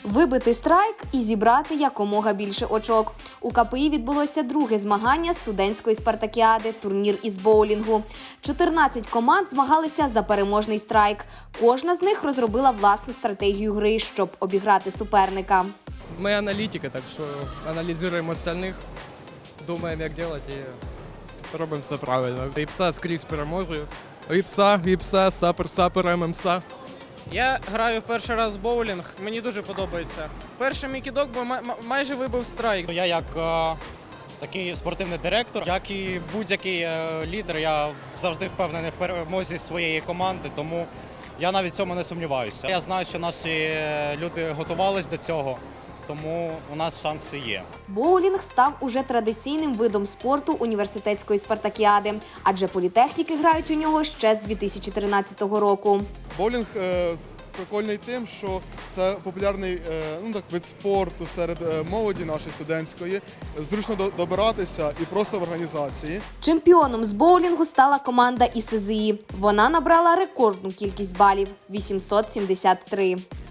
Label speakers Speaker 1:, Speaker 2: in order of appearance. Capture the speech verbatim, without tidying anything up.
Speaker 1: Вибити страйк і зібрати якомога більше очок. У КПІ відбулося друге змагання студентської спартакіади – турнір із боулінгу. чотирнадцять команд змагалися за переможний страйк. Кожна з них розробила власну стратегію гри, щоб обіграти суперника.
Speaker 2: Ми аналітики, так що аналізуємо остальних, думаємо, як робити і робимо все правильно. Іпса скрізь переможе. Іпса, іпса, сапер, сапер, ММСа.
Speaker 3: Я граю в перший раз в боулінг, мені дуже подобається. Перший мій кидок бо майже вибив страйк.
Speaker 4: Я як е, такий спортивний директор, як і будь-який е, лідер, я завжди впевнений в перемозі своєї команди, тому я навіть в цьому не сумніваюся. Я знаю, що наші люди готувались до цього, тому у нас шанси є.
Speaker 1: Боулінг став уже традиційним видом спорту університетської спартакіади, адже політехніки грають у нього ще з дві тисячі тринадцятого року.
Speaker 5: Боулінг е, прикольний тим, що це популярний е, ну, так, вид спорту серед е, молоді нашої студентської. Зручно до, добиратися і просто в організації.
Speaker 1: Чемпіоном з боулінгу стала команда ІСЗІ. Вона набрала рекордну кількість балів – вісімсот сімдесят три.